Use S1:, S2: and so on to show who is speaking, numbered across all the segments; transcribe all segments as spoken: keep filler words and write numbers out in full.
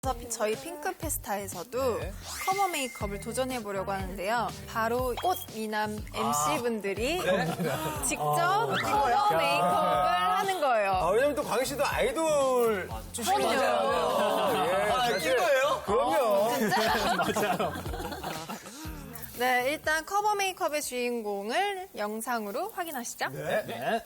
S1: 어차피 저희 핑크페스타에서도 네. 커버 메이크업을 도전해보려고 하는데요. 바로 꽃 미남 엠씨분들이 아, 네? 직접 아, 커버 메이크업을 하는 거예요.
S2: 아, 왜냐면 또 광희 씨도 아이돌 출신이잖아요. 예,
S3: 아, 낀 거예요?
S2: 그럼요.
S1: 어, 진짜?
S3: 맞아요.
S1: 네, 일단 커버 메이크업의 주인공을 영상으로 확인하시죠.
S2: 네. 네.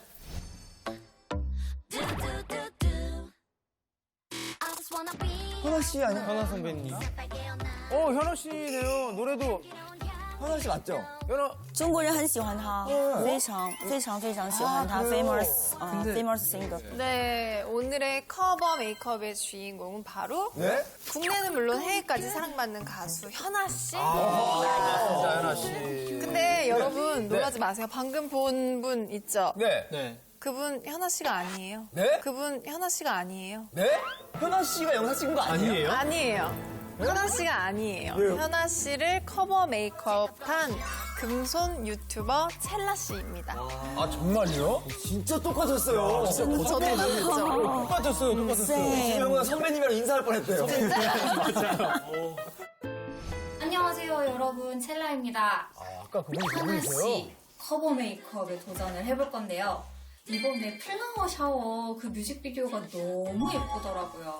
S3: 현아 씨 아니야? 현아 선배님.
S2: 어, 현아 씨네요. 노래도.
S3: 현아 씨 맞죠?
S2: 현아.
S4: 中国人很喜欢他，非常非常非常喜欢他 famous 啊 famous singer。
S1: 네, 오늘의 커버 메이크업의 주인공은 바로
S2: 네?
S1: 국내는 물론 해외까지 사랑받는 가수 현아 씨.
S2: 진짜 현아 씨.
S1: 근데 여러분 놀라지 마세요. 방금 본 분 있죠?
S2: 네. 네.
S1: 그분 현아 씨가 아니에요.
S2: 네?
S1: 그분 현아 씨가 아니에요.
S2: 네?
S3: 현아 씨가 영상 찍은 거 아니에요?
S1: 아니에요. 현아 씨가 아니에요.
S2: 왜요?
S1: 현아 씨를 커버 메이크업한 금손 유튜버 첼라 씨입니다.
S2: 아, 정말요?
S3: 진짜 똑같았어요.
S1: 저도 봤죠.
S2: 똑같았어요, 똑같았어요.
S3: 지금 형은 선배님이랑 인사할 뻔했대요.
S2: 맞아요.
S5: 안녕하세요, 여러분. 첼라입니다.
S2: 아, 아까 그분이
S5: 하나
S2: 그분이세요?
S5: 씨 커버 메이크업에 도전을 해볼 건데요. 이번에 플라워 샤워 그 뮤직비디오가 너무 예쁘더라고요.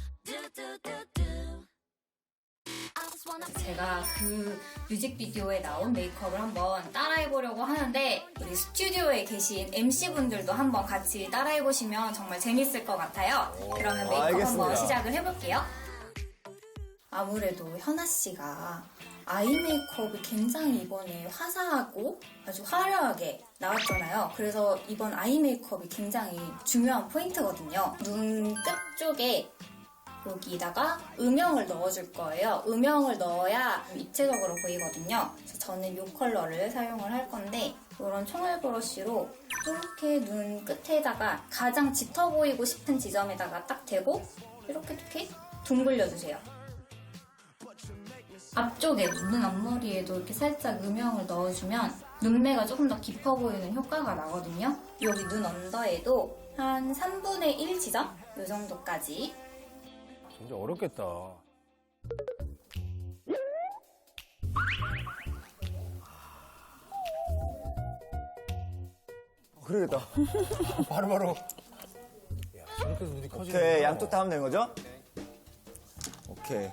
S5: 제가 그 뮤직비디오에 나온 메이크업을 한번 따라해보려고 하는데 우리 스튜디오에 계신 엠씨분들도 한번 같이 따라해보시면 정말 재밌을 것 같아요. 그러면 메이크업
S3: 알겠습니다.
S5: 한번 시작을 해볼게요. 아무래도 현아 씨가 아이 메이크업이 굉장히 이번에 화사하고 아주 화려하게 나왔잖아요. 그래서 이번 아이 메이크업이 굉장히 중요한 포인트거든요. 눈 끝 쪽에 여기다가 음영을 넣어줄 거예요. 음영을 넣어야 입체적으로 보이거든요. 그래서 저는 이 컬러를 사용을 할 건데 이런 총알 브러쉬로 이렇게 눈 끝에다가 가장 짙어 보이고 싶은 지점에다가 딱 대고 이렇게 이렇게 둥글려주세요. 앞쪽에 눈 앞머리에도 이렇게 살짝 음영을 넣어주면 눈매가 조금 더 깊어 보이는 효과가 나거든요. 여기 눈 언더에도 한 삼분의 일 지점? 이 정도까지.
S2: 진짜 어렵겠다.
S3: 그러겠다.
S2: 바로바로. 야, 저렇게 해서 눈이 커지네.
S3: 오케이, 양쪽 다 하면 되는 거죠? 오케이.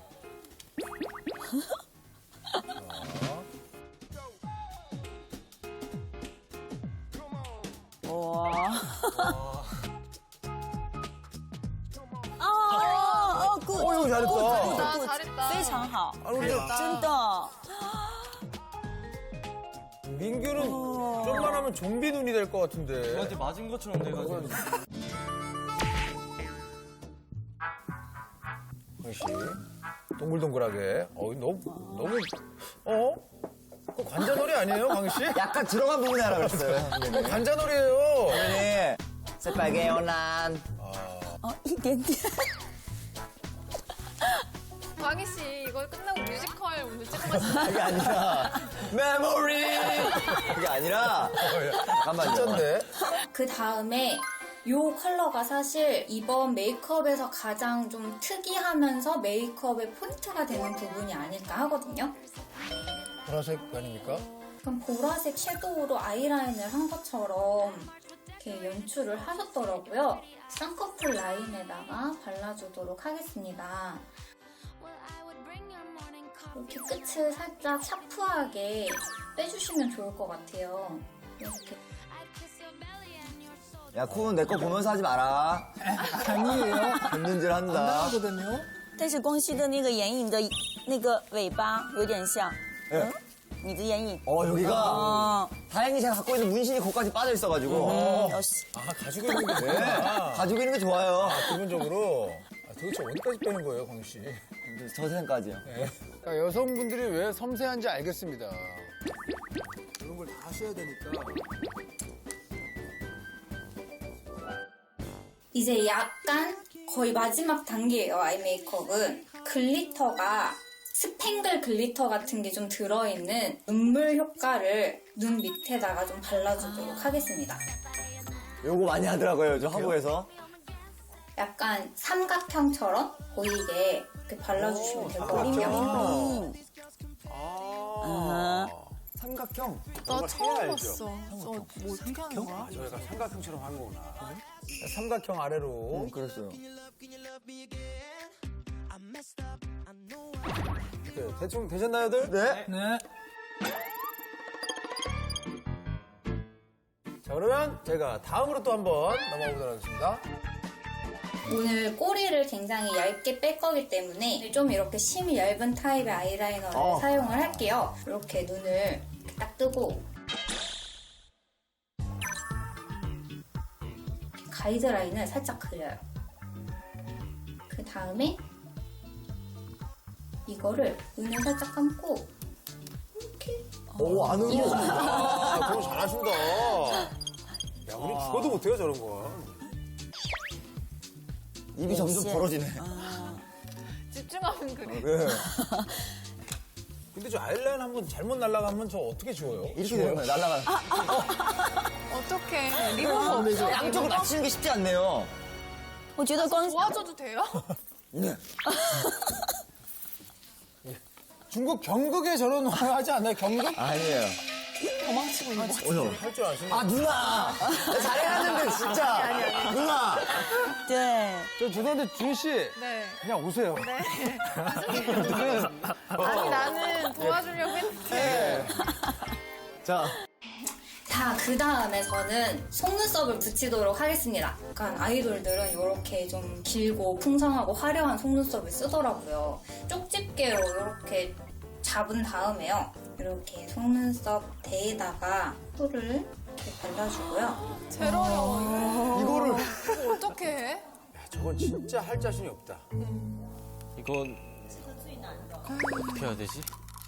S4: 哇！哦哦，good，
S3: 어, 이거 잘했다.
S1: 아, 잘했다.
S4: 非常好，
S2: 아, 근데
S4: 真的。
S2: 민규는 좀만 하면 좀비 눈이 될 것 같은데.
S3: 저한테 맞은 것처럼 돼가지고.
S2: 광희 씨. 동글동글하게. 어, 너무, 너무, 어? 그 관자놀이 아니에요, 광희 씨?
S3: 약간 들어간 부분이 하나 그랬어요.
S2: 그 관자놀이에요.
S3: 네. 새빨개 연한.
S4: 哦，一点点。
S1: 광희 씨 이거 끝나고 뮤지컬 오늘 찍고 가시죠.
S3: 그게 아니라, 메모리! 그게 아니라, 잠깐만요.
S2: 진짠데?
S5: 그 다음에 이 컬러가 사실 이번 메이크업에서 가장 좀 특이하면서 메이크업의 포인트가 되는 부분이 아닐까 하거든요.
S2: 보라색 아닙니까?
S5: 약간 보라색 섀도우로 아이라인을 한 것처럼 이렇게 연출을 하셨더라고요. 쌍꺼풀 라인에다가 발라주도록 하겠습니다. 이렇게 끝을 살짝 샤프하게 빼주시면 좋을 것 같아요. 이렇게.
S3: 야, 쿤, 내 거 보면서 하지 마라. 아니에요. gend는질 한다.
S4: 但是光熙的那个眼影的那个尾巴有点像，
S3: 예.
S4: 你的眼影。
S3: 어, 여기가,
S4: 哦，
S3: 다행히 제가 갖고 있는 문신이 거기까지 빠져 있어가지고.
S4: 嗯，有戏。
S2: 아, 가지고 있는 게
S3: 네.
S2: 좋구나.
S3: 가지고 있는 게 좋아요.
S2: 기본적으로. 아, 도대체 어디까지 빼는 거예요, 광희 씨?
S3: 저 생까지요.
S6: 그러니까 여성분들이 왜 섬세한지 알겠습니다. 이런 걸 다 하셔야 되니까.
S5: 이제 약간 거의 마지막 단계예요, 아이 메이크업은. 글리터가 스팽글 글리터 같은 게 좀 들어있는 눈물 효과를 눈 밑에다가 좀 발라주도록 하겠습니다.
S3: 요거 많이 하더라고요, 저 화보에서.
S5: 약간 삼각형처럼 보이게 이렇게 발라주시면 되거든요.
S6: 아.
S3: 삼각형.
S1: 나 처음 봤어. 어, 뭐 어떻게 하는 거야?
S6: 저희가 삼각형처럼 하는 거구나.
S2: 삼각형 아래로.
S3: 음, 그랬어요.
S2: 네, 대충 되셨나요들?
S3: 네.
S2: 네. 자, 그러면 제가 다음으로 또 한번 넘어가 보도록 하겠습니다.
S5: 오늘 꼬리를 굉장히 얇게 뺄 거기 때문에 좀 이렇게 심이 얇은 타입의 아이라이너를
S3: 어.
S5: 사용을 할게요. 이렇게 눈을 이렇게 딱 뜨고 이렇게 가이드라인을 살짝 그려요. 그 다음에 이거를 눈을 살짝 감고 이렇게
S3: 오, 안으로.
S6: 아, 그럼 잘하신다. 야, 우리 죽어도 못해요, 저런 거.
S3: 입이 점점 벌어지네.
S1: 집중하면 그래.
S3: 네.
S2: 근데 저 아이라인 한번 잘못 날아가면 저 어떻게 지워요?
S3: 이렇게 되는 거예요, 날아가는.
S1: 어떡해. 리모컨 없어.
S3: 양쪽을 맞추는 게 쉽지 않네요.
S4: 我觉得光
S1: 도와줘도 돼요?
S3: 네.
S2: 중국 경극에 저런 거 하지 않나요? 경극?
S3: 아니에요.
S1: 도망치고 있는 거.
S3: 어서.
S2: 할 줄 아시는
S3: 아, 누나! 나 잘해놨는데, 진짜. 누나!
S4: 对，
S2: 저 죄송한데 준 씨.
S1: 네.
S2: 그냥 오세요.
S1: 네. 아니, 나는 도와주려고 했는데.
S3: 자.
S5: 자, 그 다음에 저는 속눈썹을 붙이도록 하겠습니다. 약간 아이돌들은 이렇게 좀 길고 풍성하고 화려한 속눈썹을 쓰더라고요. 쪽집게로 이렇게 잡은 다음에요. 이렇게 속눈썹 대에다가 풀을 이렇게 발라주고요.
S1: 제일 어려워.
S3: 이거를.
S1: 이거 어떻게 해?
S6: 야, 저건 진짜 할 자신이 없다.
S7: 이건 어떻게 해야 되지?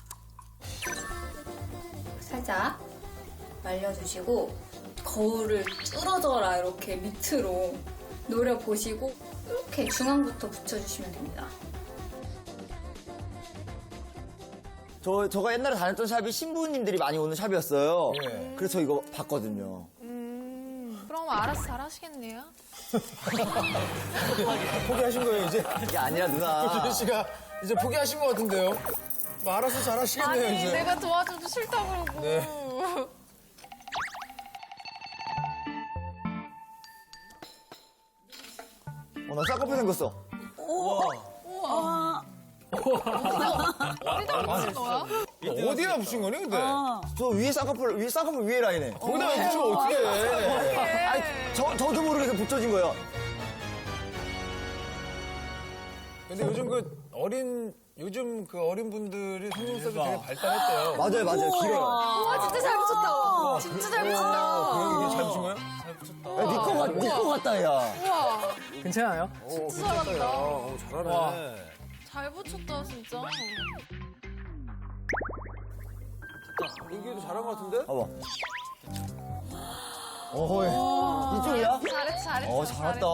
S5: 살짝 말려주시고 거울을 뚫어져라 이렇게 밑으로 노려보시고 이렇게 중앙부터 붙여주시면 됩니다.
S3: 저, 저가 옛날에 다녔던 샵이 신부님들이 많이 오는 샵이었어요.
S2: 예.
S3: 그래서 저 이거 봤거든요.
S1: 음, 그럼 알아서 잘 하시겠네요.
S2: 포기하신 거예요, 이제?
S3: 이게 아니라 누나.
S2: 준 씨가 이제 포기하신 것 같은데요? 뭐 알아서 잘 하시겠네요,
S1: 아니,
S2: 이제.
S1: 내가 도와줘도 싫다 그러고.
S2: 네.
S3: 어, 나 쌍꺼풀 생겼어.
S1: 어디다 붙인 거야?
S2: 어디다 붙인 거니, 근데?
S3: 저 위에 쌍꺼풀, 위에 쌍꺼풀 위에 라인에.
S2: 거기다 붙이면 어떻게 해?
S3: 아니, 저, 저도 모르게 붙여진 거예요.
S2: 근데 요즘 그 어린, 요즘 그 어린 분들이 속눈썹이 되게 발달했대요.
S3: 맞아요, 맞아요. 길어요.
S1: 와, 진짜 잘 붙였다. 진짜 잘 붙였다.
S2: 그 이게 잘 붙인 거예요?
S3: 야, 니꺼 같, 니꺼 같다, 야.
S1: 우와,
S2: 괜찮아요?
S6: 오,
S1: 진짜 잘한다.
S6: 오, 잘하네.
S2: 와.
S1: 잘 붙였다, 진짜.
S6: 민규도 잘한 것 같은데?
S3: 봐봐. 어허, 이쪽이야?
S1: 잘했어, 잘했어.
S3: 어, 잘했다.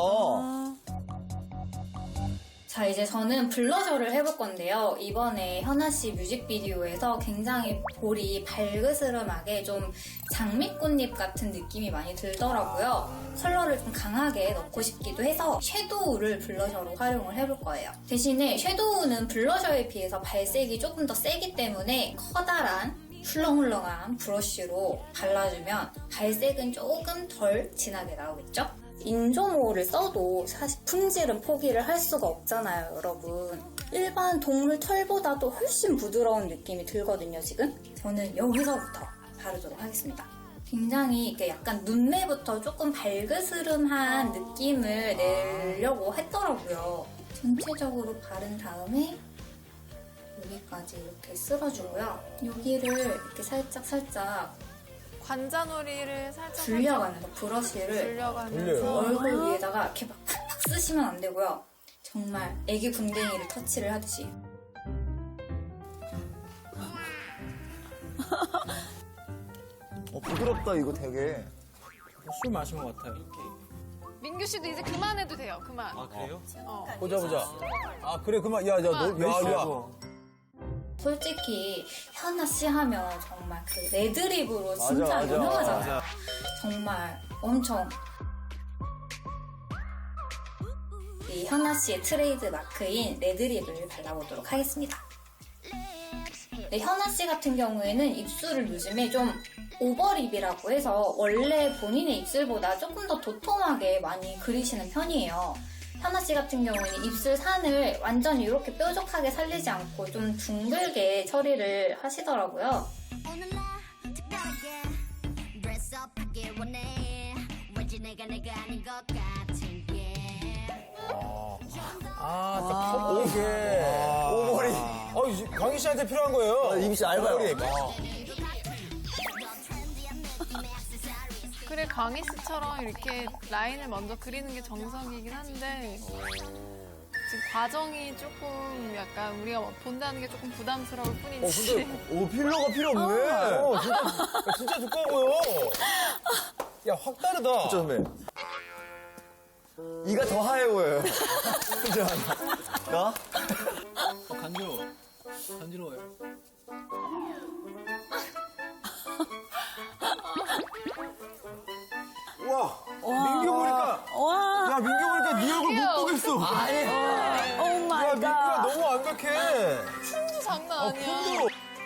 S5: 자, 이제 저는 블러셔를 해볼 건데요. 이번에 현아 씨 뮤직비디오에서 굉장히 볼이 발그스름하게 좀 장미꽃잎 같은 느낌이 많이 들더라고요. 컬러를 좀 강하게 넣고 싶기도 해서 섀도우를 블러셔로 활용을 해볼 거예요. 대신에 섀도우는 블러셔에 비해서 발색이 조금 더 세기 때문에 커다란 훌렁훌렁한 브러쉬로 발라주면 발색은 조금 덜 진하게 나오겠죠? 인조모를 써도 사실 품질은 포기를 할 수가 없잖아요, 여러분. 일반 동물 털보다도 훨씬 부드러운 느낌이 들거든요, 지금. 저는 여기서부터 바르도록 하겠습니다. 굉장히 이렇게 약간 눈매부터 조금 발그스름한 느낌을 내려고 했더라고요. 전체적으로 바른 다음에 여기까지 이렇게 쓸어주고요. 여기를 이렇게 살짝 살짝
S1: 관자놀이를 살짝
S5: 불려가면서 브러쉬를
S1: 불려가면서
S5: 얼굴 위에다가 이렇게 막 팍팍 쓰시면 안 되고요. 정말 애기 궁뎅이를 터치를 하듯이.
S3: 어, 부드럽다, 이거 되게.
S7: 술 마신 것 같아요.
S1: 민규 씨도 이제 그만해도 돼요. 그만.
S7: 아 그래요?
S1: 어.
S2: 보자, 보자. 아, 그래, 그만. 야, 야, 너, 야, 야.
S5: 솔직히 현아 씨 하면 정말 그 레드립으로
S3: 맞아,
S5: 진짜
S3: 맞아.
S5: 유명하잖아요. 정말 엄청 현아 씨의 트레이드 마크인 레드립을 발라보도록 하겠습니다. 네, 현아 씨 같은 경우에는 입술을 요즘에 좀 오버립이라고 해서 원래 본인의 입술보다 조금 더 도톰하게 많이 그리시는 편이에요. 현아 씨 같은 경우에는 입술 산을 완전히 이렇게 뾰족하게 살리지 않고 좀 둥글게 처리를 하시더라고요.
S2: 아, 딱 퍼블릭에.
S3: 오버립.
S2: 어, 이 강희 씨한테 필요한 거예요.
S3: 어, 입술 얇아요.
S2: 오버립. 아.
S1: 그래, 강희 씨처럼 이렇게 라인을 먼저 그리는 게 정석이긴 한데 지금 과정이 조금 약간 우리가 본다는 게 조금 부담스러울
S2: 어,
S1: 뿐이지.
S2: 근데
S3: 오, 필러가 필요 없네.
S2: 어, 진짜, 진짜 두꺼워 보여. 야, 확 다르다.
S3: 그쵸, 선배? 이가 더 하얘 보여요. 그죠? 나?
S7: 어, 간지러워. 간지러워요.
S2: 우와, 민규 보니까,
S4: 와,
S2: 야, 민규 보니까 네 얼굴 못 보겠어.
S4: 오
S2: 야,
S4: 마이
S2: 민규가
S4: 갓.
S2: 너무 완벽해.
S1: 춤도 장난
S2: 아,
S1: 아니야.
S2: 폰도.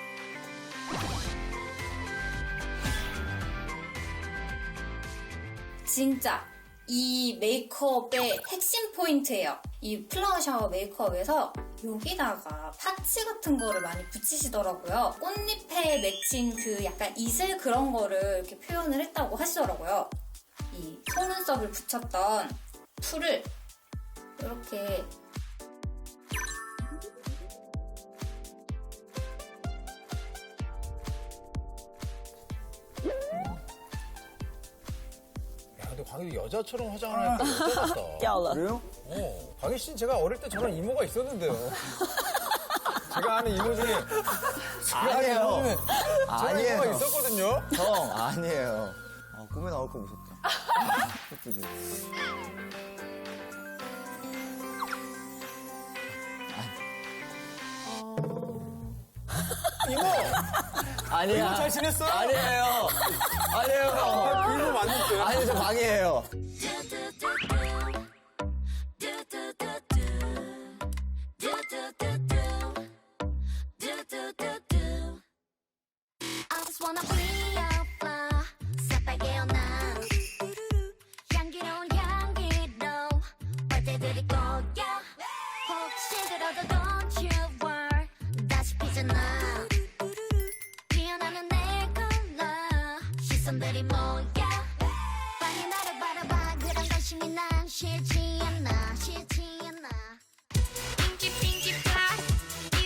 S5: 진짜 이 메이크업의 핵심 포인트예요. 이 플라워 샤워 메이크업에서 여기다가 파츠 같은 거를 많이 붙이시더라고요. 꽃잎에 맺힌 그 약간 이슬 그런 거를 이렇게 표현을 했다고 하시더라고요. 이 속눈썹을 붙였던 풀을 이렇게
S2: 야, 근데 광희 여자처럼 화장을 하니까 여자 같다.
S4: 掉了。
S3: 그래요?
S2: 어, 광희 씨는 제가 어릴 때 저런 이모가 있었는데요. 제가 아는 이모 중에 제가 아는
S3: 아니에요.
S2: 이모 중에 저런
S3: 아니에요.
S2: 이모가 있었거든요.
S3: 형, 아니에요. 아, 꿈에 나올 거 무섭다. 그치?
S2: 이모,
S3: 아니야.
S2: 이모 잘 지냈어요?
S3: 아니에요. 아니에요.
S2: 아, 그 이모 맞는데.
S3: 아니, 저 방이에요.
S8: I just wanna be